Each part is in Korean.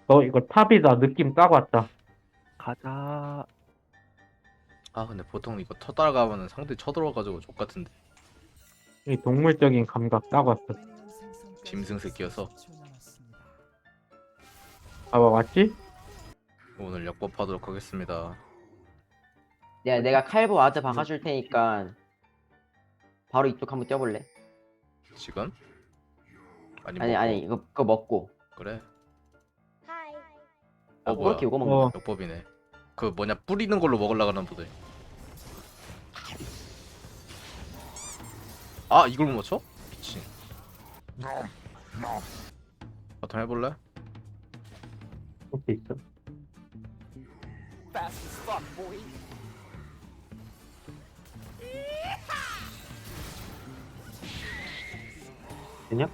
이거 탑이다. 느낌 딱 왔다. 가자. 아 근데 보통 이거 터따라가면은 상대 쳐들어가지고 족같은데. 이 동물적인 감각 딱 왔어. 짐승 새끼여서 봐봐, 맞지? 오늘 역법하도록 하겠습니다. 야, 내가 칼보 와드 박아줄 테니까 바로 이쪽 한번 뛰어볼래? 지금? 아니 아니 뭐, 아니 이거 그거 먹고. 그래. 아, 뭐야? 그렇게 이거 먹는 어. 역법이네. 그 뭐냐 뿌리는 걸로 먹으려고 하는 보다. 아 이걸 못 맞춰? 미친. 바텀 해볼래? 이렇게 있어. 되냐?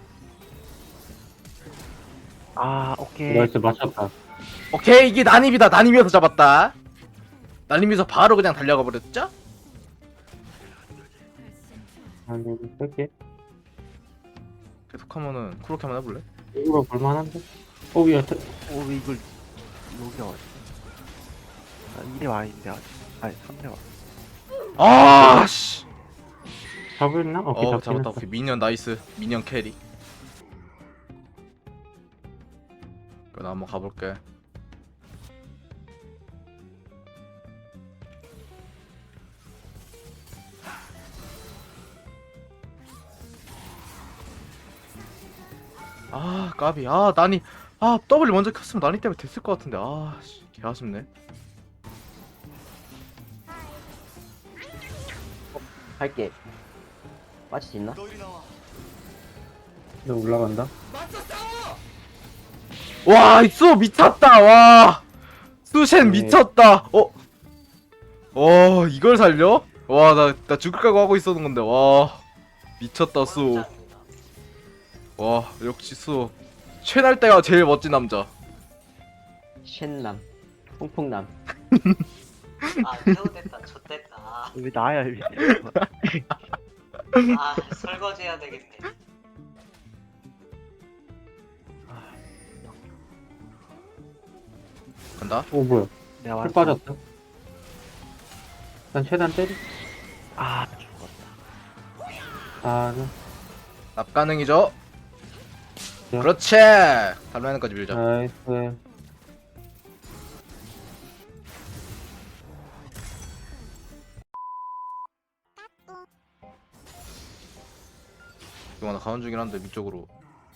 아, 오케이. 나이스, 맞췄다. 오케이 이게 난입이다. 난입이어서 잡았다. 난입에서 바로 그냥 달려가 버렸죠? 아니, 이렇게. 계속하면은 그렇게 한번 해볼래? 이거 볼만한데? 야, 오, 이걸 여기 왔어. 아, 2대 아닌데 아직. 아니, 3대 와. 아 씨. 잡을나? 오케이, 잡긴 잡았다. 했어. 오케이 미니언 나이스. 미니언 캐리. 그럼 한번 가볼게. 아 까비. 아 난이. 아 W 먼저 켰으면 난이 때문에 됐을 것 같은데. 아씨 개 아쉽네. 할게. 맞을 수 있나? 너 올라간다? 와 있어 미쳤다. 와 수셴 네. 미쳤다. 이걸 살려? 와 나 죽을 각오 하고 있었는 건데. 와 미쳤다 수. 와 역시 수 최날 때가 제일 멋진 남자. 쉔남, 퐁퐁남. 아, 태우됐다, 좆됐다. 왜 나야, 왜. 아, 설거지 해야 되겠네. 간다. 오, 뭐야. 내가 풀 왔어. 빠졌다. 일단 최대한 때리. 아, 죽었다. 아, 네. 납 가능이죠. 야. 그렇지. 달라는까지 밀자. 나이스. 이거 나 가는 중이긴 한데 위쪽으로.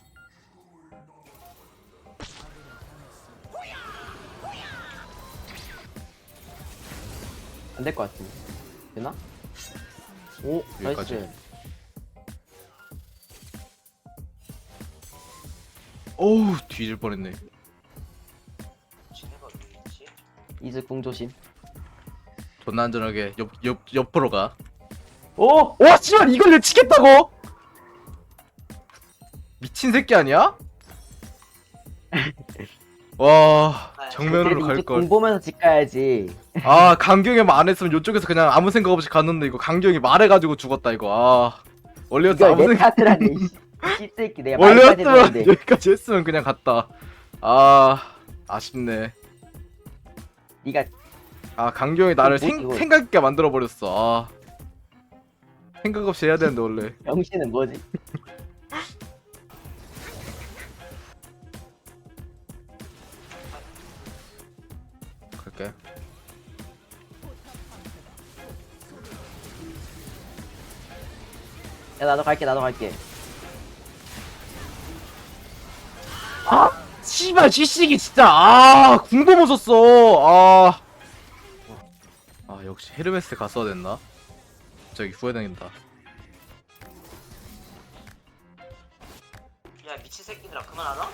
안 될 것 같은데. 되나? 오, 여기까지. 나이스. 어우 뒤질 뻔했네. 지네가 어디 있지? 이즈 궁 조심. 존나 안전하게 옆으로 가. 오! 와 씨발 이걸 내치겠다고? 미친 새끼 아니야? 와 정면으로 갈 이즈 걸. 궁 보면서 집 가야지. 아 강경이 말 안 했으면 이쪽에서 그냥 아무 생각 없이 갔는데 이거 강경이 말해가지고 죽었다 이거. 아 원래였으면 이걸 아무 내 생각. 탓이라니. 이 새끼 내가 말까지 원래였으면 했는데. 여기까지 했으면 그냥 갔다. 아 아쉽네. 네가 아 강경이 나를 뭐, 생각 있게 만들어 버렸어. 아 생각 없이 해야 되는데 원래. 병신은 뭐지? 갈게. 야 나도 갈게 나도 갈게. 아 씨발 지식이 진짜. 아 궁도 못 썼어. 아 역시 헤르메스 갔어야 됐나? 저기 후회된다. 야, 미친 새끼들아, 그만하라?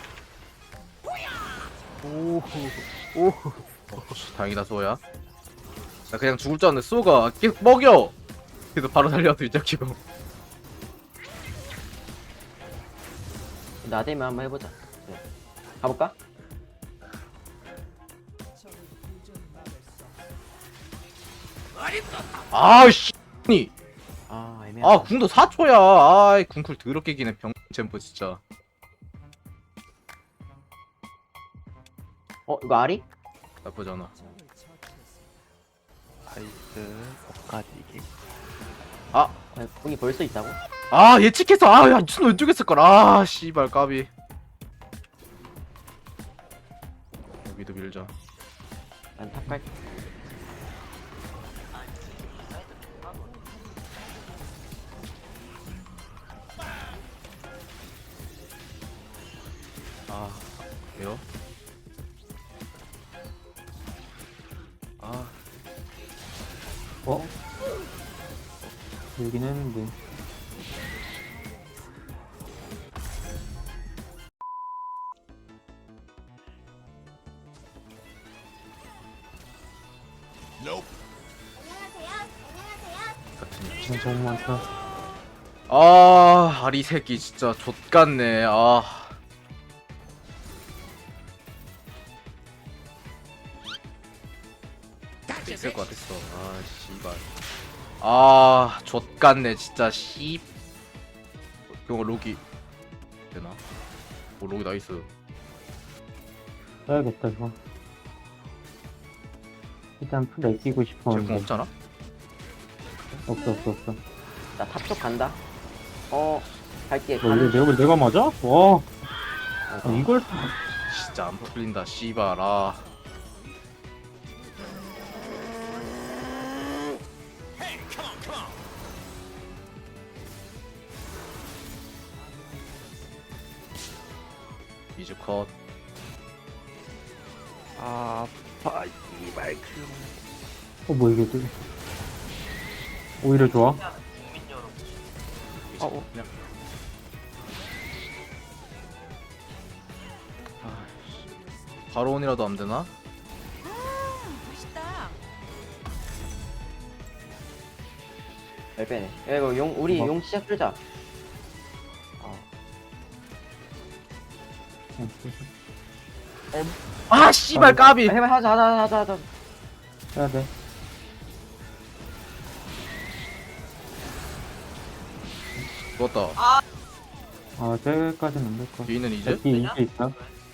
오, 오. 다행이다 소야. 나 그냥 죽을 줄 알았는데 소가 계속 먹여. 그래서 바로 살려서 위짝키고. 나대면 한번 해보자. 그래. 가볼까? 아씨. 아 애매하다. 아 궁도 4초야. 아이 궁쿨 더럽게 기네 병 챔프 진짜. 이거 아리? 나쁘지 않아. 나이스. 엇가지기. 공이 벌써 있다고? 아 예측했어. 아야 춘 왼쪽에 있을걸. 아 씨발 까비. 여기도 밀자. 난 탑 갈게. 아니 사이드 존나 멀어. 아 왜요? 아 어? 여긴 했는데. 같은. 너무 많다. 아 아리 새끼 진짜 좆같네. 아 있을 것 같았어. 아 씨발. 아 좆같네 진짜 씨. 그거 로기 되나? 오 로기 나이스. 써야겠다, 이거. 일단 풀 아끼고 제공 싶었는데. 없잖아? 없어. 나 탑 쪽 간다. 갈게. 뭐, 이거 내가 맞아? 와, 이걸. 진짜 안 풀린다 씨발. 아 이즈 컷. 아, 아파. 이발 그. 뭐, 이게 되게. 오히려 좋아. 그냥 국민 여러분. 이제 어. 그냥. 아, 씨. 바로 온이라도 안 되나? 잘 빼네. 야, 이거 우리 뭐? 용 시작 끌자. 아 씨발 까비. 해봐, 하자. 해야 돼. 죽었다. 아, 쟤까지는 안 될 거. 뒤는 이제? 뒤에 이제 있다.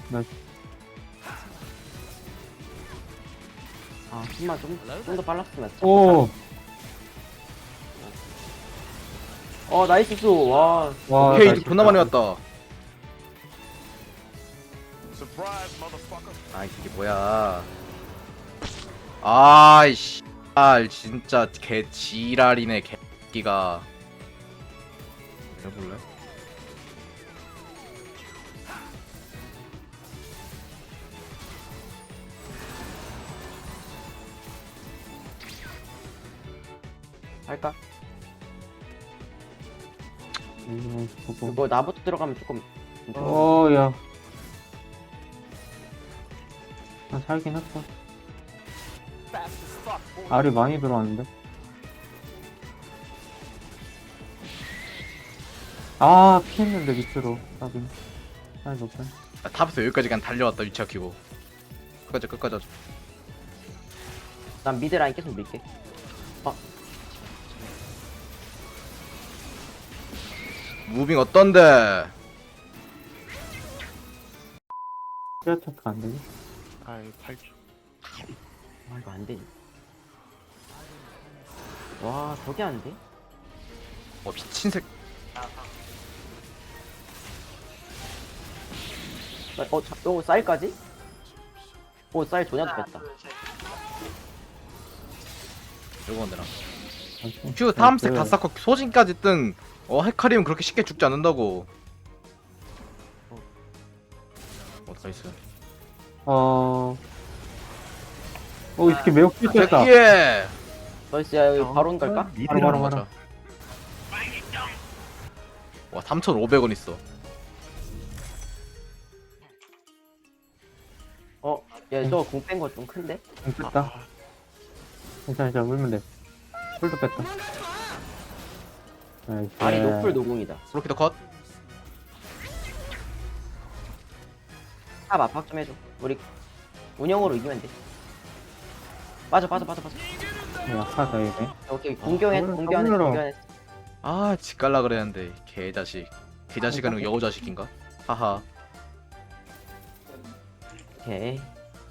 힘만 좀 더 빨랐으면. 오! 나이스 수. 와. 와, 오케이 나이스. 존나 많이 왔다. 아 이게 뭐야? 아이씨, 진짜 개 지랄이네 개끼가. 해볼래? 할까? 보고. 그거 나부터 들어가면 조금. 야. 나 살긴 했어. 알이 많이 들어왔는데. 피했는데 밑으로. 나긴. 알 높아. 아, 탑에서 여기까지 그냥 달려왔다 위치 아키고. 끝까지 하자. 난 미드 라인 계속 밀게. 무빙 어떤데? 피아 체크 안 되지? 아이, 8초. 이거 안 되지. 와, 저게 안 돼? 미친 새. 쌀까지? 쌀 존나 뺐다. 이거 되나? 나이스. 큐 다음색 다 나이스. 쌓고 소진까지 뜬. 헤카리움 그렇게 쉽게 죽지 않는다고. 나이스. 이 새끼 매우 필수했다. 새끼에. 나이스. 야, 여기 바론 갈까? 바로. 맞아. 와 3,500원 있어. 야, 저 공 뺀 거 좀 큰데? 뺐다. 괜찮아, 물면 돼. 풀도 뺐다. 나이스. 아니, 노플 노공이다. 브로키더 컷. 탑 압박 좀 해줘. 우리 운영으로 이기면 돼. 빠져. 약하다, 얘네. 오케이, 공격했어. 아 집갈라 그랬는데 개자식. 개자식 아니고 여우자식인가? 하하. 오케이.